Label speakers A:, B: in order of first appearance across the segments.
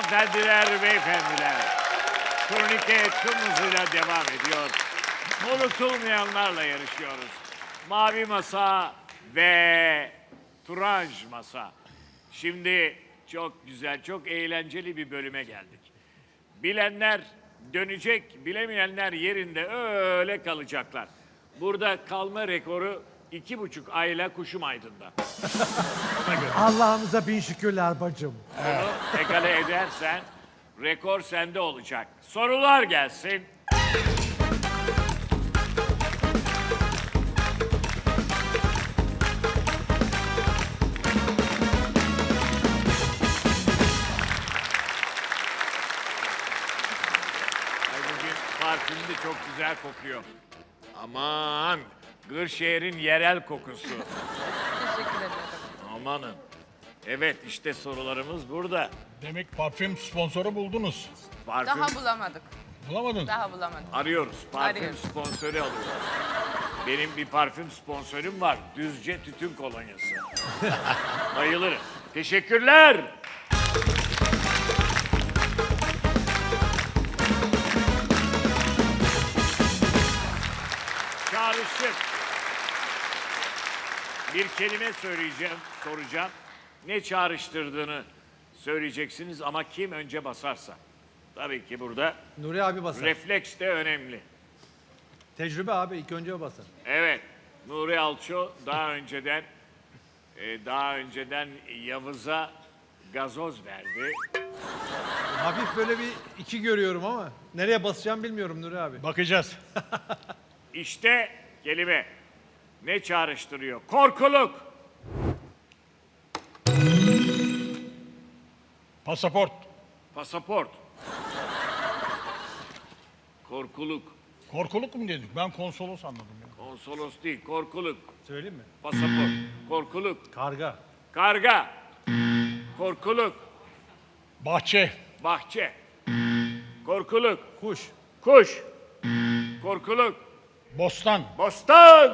A: Hanımefendiler, beyefendiler. Turnike tüm hızıyla devam ediyor. Unutulmayanlarla yarışıyoruz. Mavi masa ve turanj masa. Şimdi çok güzel, çok eğlenceli bir bölüme geldik. Bilenler dönecek, bilemeyenler yerinde öyle kalacaklar. Burada kalma rekoru 2,5 ayla Kuşum Aydın'da. Ona göre.
B: Allah'ımıza bin şükürler bacım.
A: Bunu egale edersen rekor sende olacak. Sorular gelsin. Ay, bugün parfüm de çok güzel kokuyor. Aman, Kırşehir'in yerel kokusu.
C: Teşekkür ederim.
A: Amanın. Evet, işte sorularımız burada.
D: Demek parfüm sponsoru buldunuz.
A: Parfüm
C: Daha bulamadık.
D: Bulamadın.
C: Daha bulamadık.
A: arıyoruz. Parfüm
C: Arıyoruz.
A: sponsoru alıyoruz. Benim bir parfüm sponsorum var. Düzce Tütün Kolonyası. Bayılırım. Teşekkürler. Çağrışım. Bir kelime söyleyeceğim, soracağım. Ne çağrıştırdığını söyleyeceksiniz ama kim önce basarsa. Tabii ki burada
B: Nuri abi basar.
A: refleks de önemli.
B: Tecrübe abi ilk önce o basar.
A: Evet, Nuri Alço daha önceden Yavuz'a gazoz verdi.
B: Hafif böyle bir iki görüyorum ama nereye basacağım bilmiyorum Nuri abi.
D: Bakacağız.
A: İşte kelime ne çağrıştırıyor? Korkuluk,
D: Pasaport.
A: pasaport, korkuluk,
D: Korkuluk mu dedik? Ben konsolos anladım ya.
A: konsolos değil, korkuluk,
B: Söyleyeyim mi?
A: pasaport, korkuluk,
B: Karga.
A: karga, korkuluk,
D: Bahçe.
A: bahçe, korkuluk,
B: Kuş.
A: kuş, korkuluk,
D: Bostan.
A: bostan.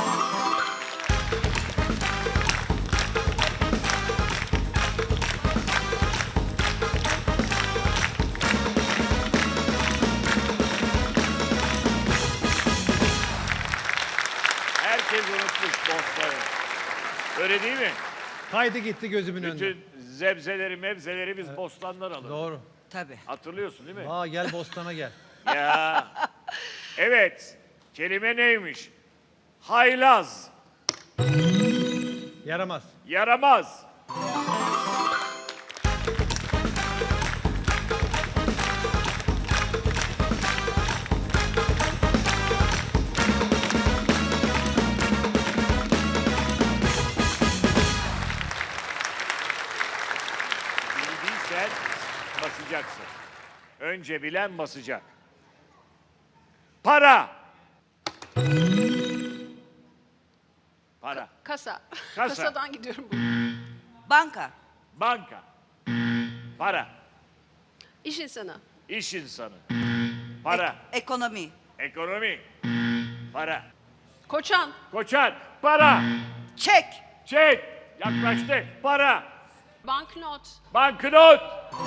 A: Herkes unutmuş bostanı. Öyle değil mi?
B: Kaydı gitti gözümün önünde.
A: Bütün zebzeleri, mebzeleri biz bostandan alırız.
B: Doğru.
E: Tabii.
A: Hatırlıyorsun değil mi?
B: Aa gel bostana gel.
A: Ya. Evet. Kelime neymiş? Haylaz,
B: Yaramaz.
A: yaramaz. Bildiysen basacaksın. Önce bilen basacak. Para. Para.
F: Kasa.
A: Kasa.
F: Kasadan gidiyorum.
E: Banka.
A: Banka. Para.
F: İş insanı.
A: İş insanı. Para.
E: Ekonomi.
A: Ekonomi. Para.
F: Koçan.
A: Koçan. Para.
E: Çek.
A: Çek. Yaklaştı. Para.
F: Banknot.
A: Banknot.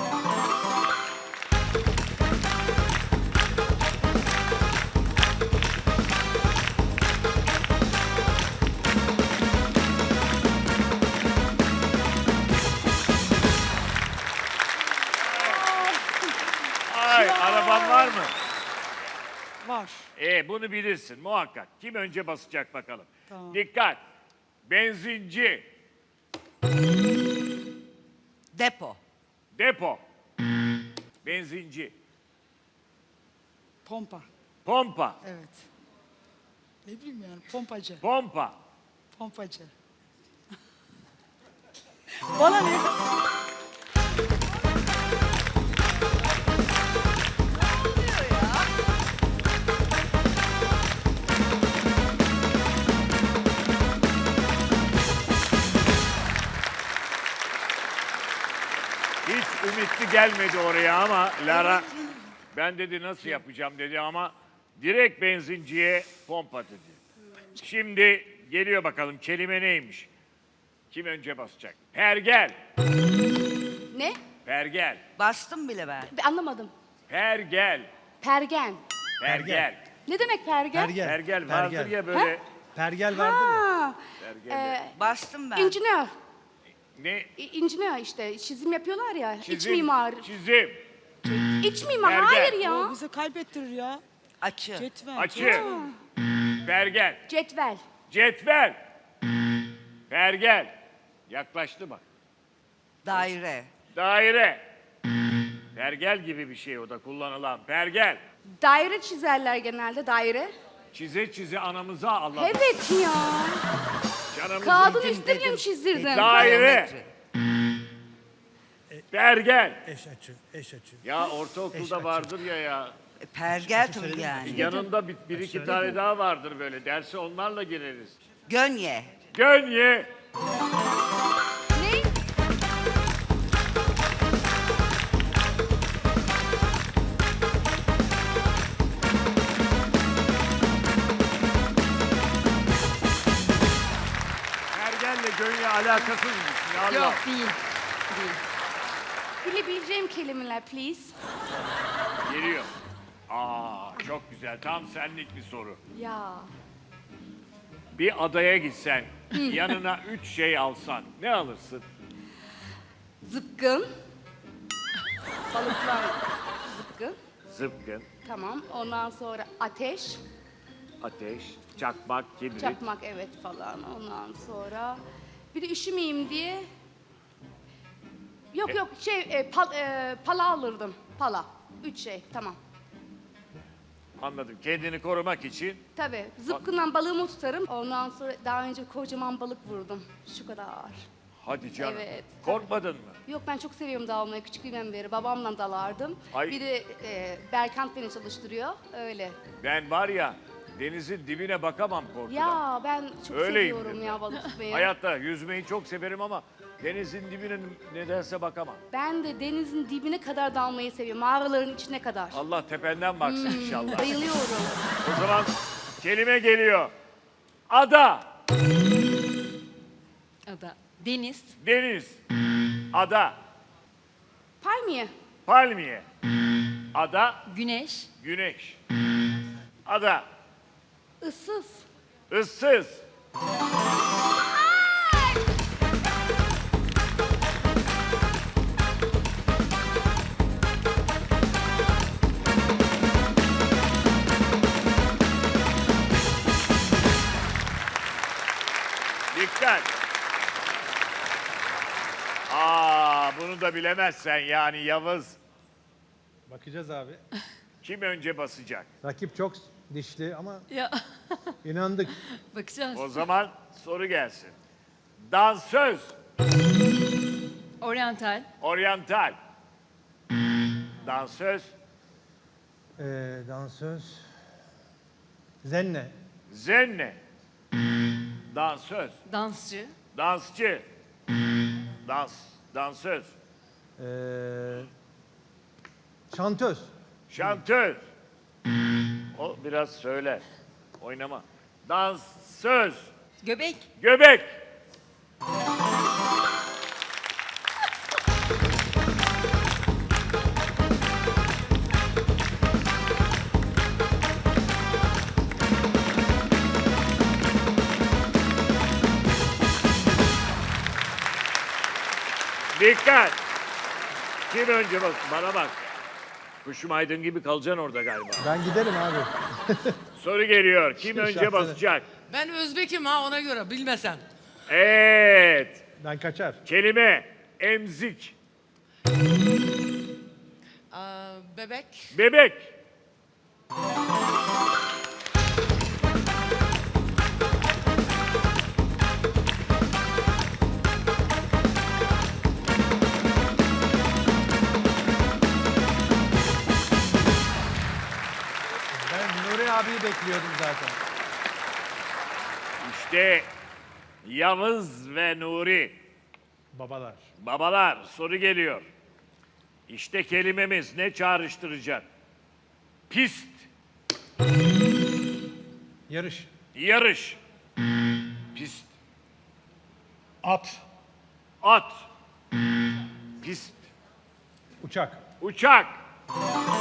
A: Ay, araban var mı?
E: Var.
A: Bunu bilirsin muhakkak. Kim önce basacak bakalım.
E: Tamam.
A: Dikkat. Benzinci.
E: Depo.
A: Depo. Benzinci.
G: Pompa.
A: Pompa.
G: Evet. Ne bileyim yani pompacı.
A: Pompa.
G: Pompacı. Bana ne?
A: Hiç ümitli gelmedi oraya ama Lara ben dedi nasıl yapacağım dedi ama direkt benzinciye pompa dedi. Şimdi geliyor bakalım kelime neymiş? Kim önce basacak? Pergel.
F: Ne?
A: Pergel.
E: Bastım bile ben.
C: Anlamadım.
A: Pergel.
C: Pergen.
A: Pergel.
C: Ne demek pergen?
B: Pergel.
A: Pergel vardır ya böyle.
B: Pergel vardır ya.
C: Ha,
A: Pergel.
E: Bastım ben.
C: incinör.
A: Ne?
C: İncinör işte. Çizim yapıyorlar ya. İç
A: Çizim.
C: mimar.
A: Çizim.
C: İç mimar.
A: Pergen.
C: Hayır
G: O
C: ya.
G: bizi kaybettirir ya.
E: Açı.
G: Cetvel.
A: Açı. Pergel.
C: Cetvel.
A: Cetvel. Pergel. Yaklaştı bak.
E: Daire.
A: Daire. Pergel gibi bir şey o da kullanılan. Pergel.
C: Daire çizerler genelde. Daire.
A: Çize çize anamıza Allah.
C: Evet ya.
A: Canımızın
C: Kağıdın
A: kim-
C: üstüne mi çizdirdin?
A: Daire.
E: Geometri.
A: Pergel.
B: Eş açı, eş açı.
A: Ya ortaokulda vardır ya.
E: Pergel tabii yani.
A: Yanında bir iki tane daha vardır böyle. Derse onlarla gireriz.
E: Gönye.
A: Gönye.
C: Ne?
A: Pergelle gönye alakasız mı? Ya Allah.
C: Yok değil. Değil. Bilebileceğim kelimeler please.
A: Geliyor. Aa çok güzel. Tam senlik bir soru.
C: Ya.
A: Bir adaya gitsen, yanına 3 şey alsan ne alırsın?
C: Zıpkın. Balıklar zıpkın.
A: Zıpkın,
C: Tamam. Ondan sonra ateş.
A: ateş, çakmak, kibrit.
C: Çakmak evet falan. Ondan sonra bir de üşümeyeyim diye yok yok pala alırdım. Pala. 3 şey tamam.
A: Anladım. Kendini korumak için
C: Tabii zıpkından balığımı tutarım. Ondan sonra daha önce kocaman balık vurdum. Şu kadar.
A: hadi canım.
C: Evet.
A: Korkmadın mı?
C: Yok ben çok seviyorum dalmayı küçüklüğümden beri. Babamla dalardım.
A: Ay.
C: Bir de Berkant beni çalıştırıyor. Öyle.
A: Ben var ya denizin dibine bakamam korkudan.
C: Ya ben çok
A: Öyleyim
C: seviyorum
A: ben.
C: ya balık tutmayı.
A: Hayatta yüzmeyi çok severim ama denizin dibine nedense bakamam.
C: Ben de denizin dibine kadar dalmayı seviyorum. Mağaraların içine kadar.
A: Allah tependen baksın inşallah.
C: Bayılıyorum.
A: O zaman kelime geliyor. Ada,
C: Ada. Deniz.
A: deniz, ada,
C: Palmiye.
A: palmiye, ada,
C: Güneş.
A: güneş, ada,
C: Issız.
A: ıssız, dikkat. Bunu da bilemezsen yani Yavuz.
B: Bakacağız abi.
A: Kim önce basacak?
B: Rakip çok dişli ama
C: Ya
B: inandık.
C: bakacağız.
A: O zaman soru gelsin. Dansöz,
C: Oriental.
A: oryantal. Dansöz,
B: Dansöz. Zenne.
A: zenne. Dansöz,
C: Dansçı.
A: dansçı. Dansöz,
B: Şantöz.
A: şantöz. O biraz söyler. Oynama. Dansöz,
C: Göbek.
A: göbek. Dikkat! Kim önce bak? Bana bak. Kuşum Aydın gibi kalacaksın orada galiba.
B: Ben giderim abi.
A: Soru geliyor. Kim önce
B: Şahsen.
A: basacak?
H: Ben Özbek'im ha ona göre bilmesen.
A: Evet.
B: Ben kaçar.
A: Kelime emzik.
H: Bebek,
A: Bebek.
B: Ben Nuri abiyi bekliyordum zaten.
A: İşte Yavuz ve Nuri.
B: Babalar.
A: Babalar soru geliyor. İşte kelimemiz ne çağrıştıracak? Pist,
B: Yarış.
A: yarış. Pist,
D: At,
A: at. Pist,
B: Uçak.
A: Uçak.